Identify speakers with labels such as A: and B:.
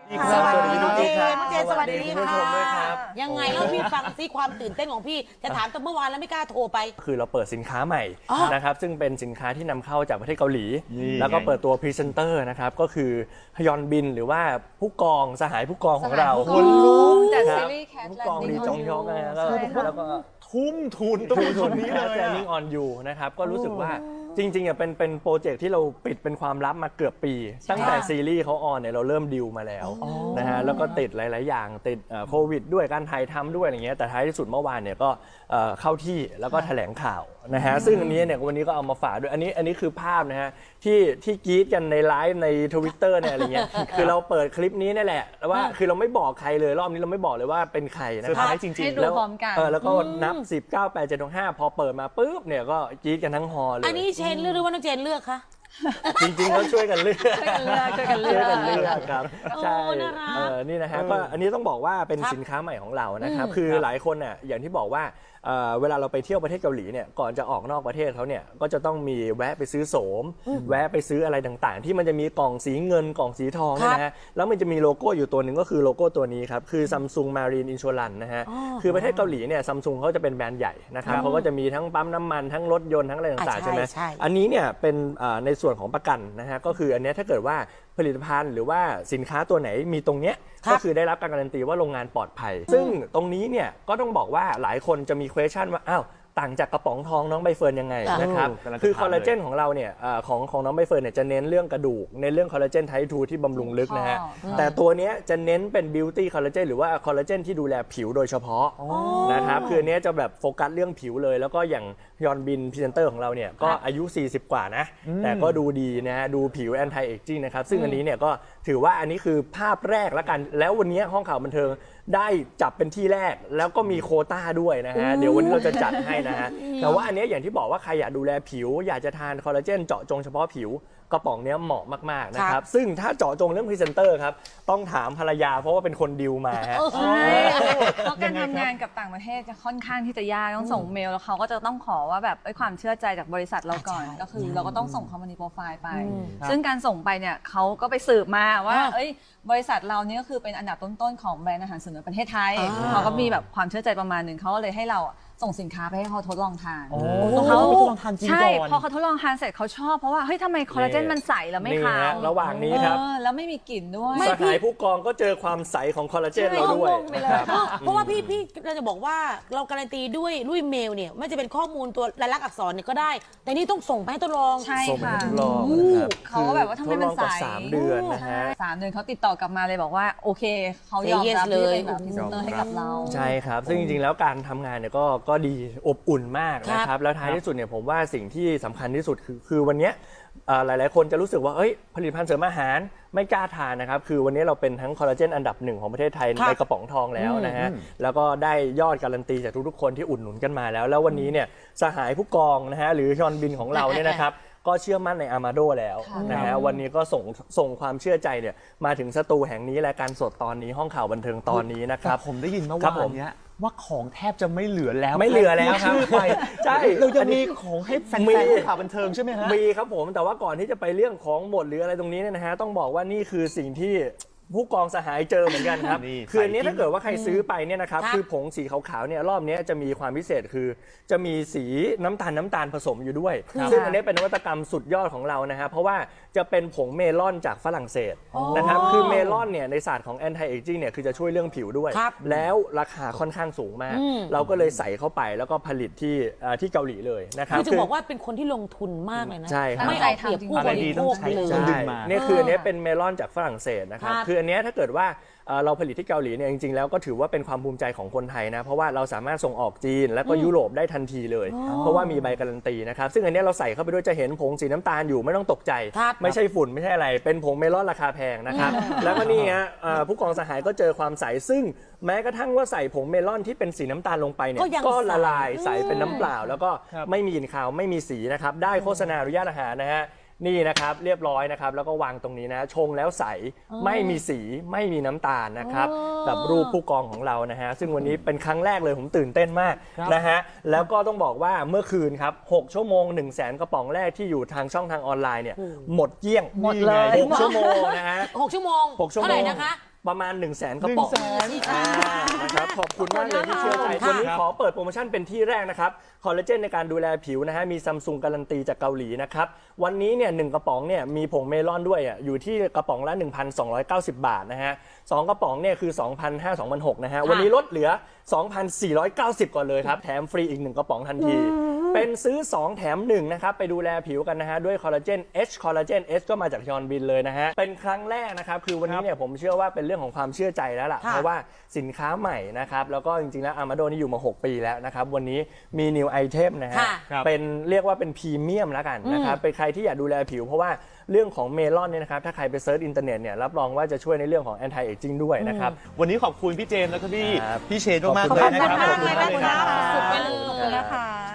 A: สวัสดีน้องเจน
B: น้องเจนสวัสดี
A: คุณผู้ชมด้วยครับ
B: ยังไงเล่าพี่ฟังซิความตื่นเต้นของพี่จะถามแต่เมื่อวานแล้วไม่กล้าโทรไป
A: คือเราเปิดสินค้าใหม่
B: อ๋อ
A: นะครับซึ่งเป็นสินค้าที่นำเข้าจากประเทศเกาหลี
C: นี่
A: แล้วก็เปิดตัวพรีเซนเตอร์นะครับก็คือฮยอนบินหรือว่าผู้กองสหายผู้กองของเรา
C: คนลุก
D: จาก
A: ค
D: ซี
A: รับ
D: รีส์แคท
A: ผู้
D: แล
A: กอง
D: น
A: ลี
D: ดิ้ง
A: จองยอกนะฮะแล้วก็
C: ทุ่มทุนต้องคนนี้เลย
A: แจนิ่งออนยูนะครับก็รู้สึกว่าจริงๆอ่ะเป็นโปรเจกต์ที่เราปิดเป็นความลับมาเกือบปี ตั้งแต่ซีรีส์เขาออนเนี่ยเราเริ่มดิวมาแล้วนะฮะแล้วก็ติดหลายๆอย่างติดโควิดด้วยการถ่ายทำด้วยอะไรเงี้ยแต่ท้ายที่สุดเมื่อวานเนี่ยก็เข้าที่แล้วก็แถลงข่าวนะฮะซึ่งอันนี้เนี่ยวันนี้ก็เอามาฝากด้วยอันนี้คือภาพนะฮะที่กรี๊ดกันในไลฟ์ใน Twitter เนี่ยอะไรเงี้ยคือเราเปิดคลิปนี้นี่แหละแล้วว่าคือเราไม่บอกใครเลยรอบนี้เราไม่บอกเลยว่าเป็นใครนะ
C: เซอร์
A: ค
C: ไพ
A: รับ
C: รส์จริง
D: ให้ดู
A: แล้ว
D: พร้อมกัน
A: แล้วก็นับ 10 9 8 7 6 5 พอเปิดมาปุ๊บเนี่ยก็กรี๊ดกันทั้งฮอลเลย
B: อันนี้เชนเลือกหรือว่าน้องเจนเลือกคะ
A: จริงๆเขาช่วยกันเลือก
D: ช่วยกันเลือกช่วยกันเลื
A: ช่วย
D: อก
A: กันเลือกครับใช่
B: น่ารัก
A: นี่นะฮะก็อันนี้ต้องบอกว่าเป็นสินค้าใหม่ของเรานะครับคือหลายคนเนี่ยอย่างที่บอกว่าเวลาเราไปเที่ยวประเทศเกาหลีเนี่ยก่อนจะออกนอกประเทศเขาเนี่ยก็จะต้องมีแวะไปซื้อโสมแวะไปซื้ออะไรต่างๆ ที่มันจะมีกล่องสีเงินกล่องสีทองเนี่ยนะฮะแล้วมันจะมีโลโก้อยู่ตัวหนึ่งก็คือโลโก้ตัวนี้ครับคือ Samsung Marine Insurance นะฮะคือประเทศเกาหลีเนี่ย Samsung เขาจะเป็นแบรนด์ใหญ่นะครับเขาก็จะมีทั้งปั๊มน้ำมันทั้งรถยนต์ทั้งอะไรต่างๆใช่ไหม
B: ใช่
A: อันนี้เนี่ยเป็นในส่วนของประกันนะฮะก็คืออันเนี้ยถ้าเกิดว่าผลิตภัณฑ์หรือว่าสินค้าตัวไหนมีตรงเนี้ย
B: ครับ
A: ก็คือได้รับการการันตีว่าโรงงานปลอดภัย ซึ่งตรงนี้เนี่ยก็ต้องบอกว่าหลายคนจะมี question ว่าอ้าวต่างจากกระป๋องทองน้องใบเฟิร์นยังไงนะครับ
C: กำลังจะ
A: คือ
C: ถาม
A: คอลลาเจนของเราเนี่ยของน้องใบเฟิร์นเนี่ยจะเน้นเรื่องกระดูกในเรื่องคอลลาเจนไทป์2ที่บำรุงลึกนะฮะแต่ตัวเนี้ยจะเน้นเป็นบิวตี้คอลลาเจนหรือว่าคอลลาเจนที่ดูแลผิวโดยเฉพาะนะครับคืออันเนี้ยจะแบบโฟกัสเรื่องผิวเลย แล้วก็อย่างยอนบินพรีเซนเตอร์ของเราเนี่ยก็อายุ 40 กว่านะแต่ก็ดูดีนะฮะดูผิวแอนตี้เอจจิ้งนะครับซึ่งอันนี้เนี่ยก็ถือว่าอันนี้คือภาพแรกแล้วกันแล้ววันนี้ห้องข่าวบันเทิงได้จับเป็นที่แรกแล้วก็มีโควต้าด้วยนะฮะเดี๋ยววันนี้เราจะจัดให้นะฮะแต่ว่าอันนี้อย่างที่บอกว่าใครอยากดูแลผิว อยากจะทานคอลลาเจนเจาะจงเฉพาะผิวกระป๋องเนี้ยเหมาะมากๆนะครับซึ่งถ้าเจาะจงเรื่องพรีเซนเตอร์ครับต้องถามภรรยาเพราะว่าเป็นคนดิวมาฮะ
D: ใช่เพราะการทำงานกับต่างประเทศจะค่อนข้างที่จะยากต้องส่งเมลแล้วเขาก็จะต้องขอว่าแบบความเชื่อใจจากบริษัทเราก่อน
B: ใช่
D: ก็คือเราก็ต้องส่งคอมมานีโปรไฟล์ไป ซึ่งการส่งไปเนี่ยเขาก็ไปสืบมาว่าบริษัทเราเนี่ยก็คือเป็นอันดับต้นๆของแบรนด์อาหารเสริมในประเทศไทยเขาก็มีแบบความเชื่อใจประมาณหนึ่งเขาก็เลยให้เราส่งสินค้าไปให้เขาทดลองทาน
C: เขาไปทดลองทานจริง
D: ใช่
C: ก่อน
D: พอเขาทดลองทานเสร็จเขาชอบเพราะว่าเฮ้ยทำไมคอลลาเจนมันใสแล้วไม่
A: นี่
D: ขาว
A: ฮะระหว่างนี้ครับ
D: แล้วไม่มีกลิ่นด้วย
A: สหายผู้กองก็เจอความใสของคอลลาเจนเราด้วย
D: งงไปเลย
A: นะครับ
B: เพราะว่าพี่เราจะบอกว่าเราการันตีด้วยเมลเนี่ยไม่จะเป็นข้อมูลตัวลายลักษณ์อักษรเนี่ยก็ได้ แต่นี่ต้องส่งไปให้ทดลอง
D: ใช่
A: ส่งไป
D: ค่ะ
A: ทดลองนะครับ
D: เขาก็แบบว่าทำไมมันใส
A: ทดลองกว่า3 เดือนนะฮะ
D: 3 เดือนเขาติดต่อกลับมาเลยบอกว่าโอเคเขายอม
B: Say yes
D: รับที่จะเป็นแบบ
B: เลย
D: พรีเซนเตอร์ให้กับเรา
A: ใช่ครับ ซึ่งจริงๆ แล้วการทำงานเนี่ยก็ดีอบอุ่นมากนะครับ แล้วท้ายที่สุดเนี่ยผมว่าสิ่งที่สำคัญที่สุดคือวันเนี้ยหลายๆ คนจะรู้สึกว่าเอ้ยผลิตภัณฑ์เสริมอาหารไม่กล้าทานนะครับ คือวันนี้เราเป็นทั้งคอลลาเจนอันดับ1ของประเทศไทยในกระป๋องทองแล้วนะฮะ แล้วก็ได้ยอดการันตีจากทุกๆ คนที่อุดหนุนกันมาแล้ว แล้ววันนี้เนี่ยสหายผู้กองนะฮะหรือยอนบินของเราเนี่ยนะครับ ก็เชื่อมั่นในอามาโดแล้วนะฮะวันนี้ก็ส่งความเชื่อใจเนี่ยมาถึงสตูแห่งนี้และการสดตอนนี้ห้องข่าวบันเทิงตอนนี้นะครับ
C: ผมได้ยินเมื่อ
A: ครับ
C: วา
A: ผ
C: น
A: ม
C: เนี้ยว่าของแทบจะไม่เหลือแล้ว
A: ไม่เหลือแล้วครับ
C: ชื่อไป
A: ใช่
C: เราจะ
A: อันนี้
C: มีของให้แฟน
A: มี
C: ๆข่าวบันเทิงใช่ไหมฮะ
A: มีครับผมแต่ว่าก่อนที่จะไปเรื่องของหมดหรืออะไรตรงนี้เนี่ยนะฮะต้องบอกว่านี่คือสิ่งที่ผู้กองสหายเจอเหมือนกันครับ
C: นี่
A: คืออันนี้
C: ใส่
A: ถ้าเกิดว่าใครซื้อไปเนี่ยนะครับ
B: ครับ
A: คือผงสีขาวๆเนี่ยรอบนี้จะมีความพิเศษคือจะมีสีน้ำตาลผสมอยู่ด้วย ซึ่งอันนี้เป็นนวัตกรรมสุดยอดของเรานะฮะเพราะว่าจะเป็นผงเมลอนจากฝรั่งเศสนะครับคือเมลอนเนี่ยในศาสตร์ของ anti aging เนี่ยคือจะช่วยเรื่องผิวด้วย
B: ครับ
A: แล้วราคาค่อนข้างสูงมาก เราก็เลยใส่เข้าไปแล้วก็ผลิตที่เกาหลีเลยนะครับ
B: คือจะบอกว่าเป็นคนที่ลงทุนมากเลยนะ
A: ใช่ครับ
B: ไม่เอาเปรียบผู้บริโภคเลย
C: ต้องดึงมา
A: เนี่ยคืออันนี้เป็นเมลอนจากฝรั่งเศสนะครับ
B: ครับ
A: คืออันเนี้ยถ้าเกิดว่าเราผลิตที่เกาหลีเนี่ยจริงๆแล้วก็ถือว่าเป็นความภูมิใจของคนไทยนะเพราะว่าเราสามารถส่งออกจีนแล้วก็ยุโรปได้ทันทีเลย เพราะว่ามีใบการันตีนะครับซึ่งอันเนี้ยเราใส่เข้าไปด้วยจะเห็นผงสีน้ำตาลอยู่ไม่ต้องตกใจ
B: ครับ
A: ไม่ใช่ฝุ่นไม่ใช่อะไรเป็นผงเมลอนราคาแพงนะครับแล้วก็นี่ฮะผู้กองสหายก็เจอความใสซึ่งแม้กระทั่งว่าใส่ผงเมลอนที่เป็นสีน้ำตาลลงไปเนี่ย
B: ก็ยัง
A: ก็ละ
B: ใส
A: ลายใสเป็นน้ำเปล่า แล้วก็
C: ครับ
A: ไม่มีกลิ่นคาวไม่มีสีนะครับได้โฆษณาอนุญาตอาหารนะฮะนี่นะครับเรียบร้อยนะครับแล้วก็วางตรงนี้นะชงแล้วใสไม่มีสีไม่มีน้ำตาลนะครับกับรูปผู้กองของเรานะฮะซึ่งวันนี้เป็นครั้งแรกเลยผมตื่นเต้นมาก
C: ครับ
A: นะฮะแล้วก็ต้องบอกว่าเมื่อคืนครับ6 ชั่วโมง 100,000 กระป๋องแรกที่อยู่ทางช่องทางออนไลน์เนี่ยหมดเกลี้ยง
D: หมดเลย
A: 6 ชั่วโมงนะฮะ
B: 6 ชั่วโมง
A: 6 ชั่วโม
B: เท่าไหร่
A: ง
B: นะคะ
A: ประมาณ 100,000 กระป๋อง
C: 100,000
A: นะครับขอบคุณมากเลยที่เชื่อใจ
B: ค่ะ
A: วันนี้ขอเปิดโปรโมชั่นเป็นที่แรกนะครับคอลลาเจนในการดูแลผิวนะฮะมีซัมซุงการันตีจากเกาหลีนะครับวันนี้เนี่ย1กระป๋องเนี่ยมีผงเมลอนด้วยอยู่ที่กระป๋องละ 1,290 บาทนะฮะ2กระป๋องเนี่ยคือ 2,500 2,600นะฮะวันนี้ลดเหลือ 2,490 ก่อนเลยครับแถมฟรีอีก1กระป๋องทันทีเป็นซื้อ2แถม1นะครับไปดูแลผิวกันนะฮะด้วยคอลลาเจน H คอลลาเจน H ก็มาจากยอนบินเลยนะฮะเป็นครั้งแรกนะครับคือวันนี้เนี่ยผมเชื่อว่าเป็นเรื่องของความเชื่อใจแล้วล่ะ
B: ค่ะ
A: เพราะว่าสินค้าใหม่นะครับแล้วก็จริงๆแล้วอามาโดนี่อยู่มา6 ปีแล้วนะครับวันนี้มี new item นะฮะ
B: ค่ะ
C: ครับ
A: เป็นเรียกว่าเป็นพรีเมียมแล้วกันนะครับเป็นใครที่อยากดูแลผิวเพราะว่าเรื่องของเมลอนเนี่ยนะครับถ้าใครไปเซิร์ชอินเทอร์เน็ตเนี่ยรับรองว่าจะช่วยในเรื่องของ anti aging ด้วยนะครับ
C: วันนี้ขอบคุณพี่เจมส์แล้วก็พี่
A: ครับ
C: เชนมากๆ
A: ขอบ
C: เล
A: คุ
C: ย
A: ณ
C: นะครับ
B: มากเลย
C: ขอบคุณมากเลย
B: นะคะ
C: ครับ
B: สุดๆไปเลย
D: ขอบคุณนะคะ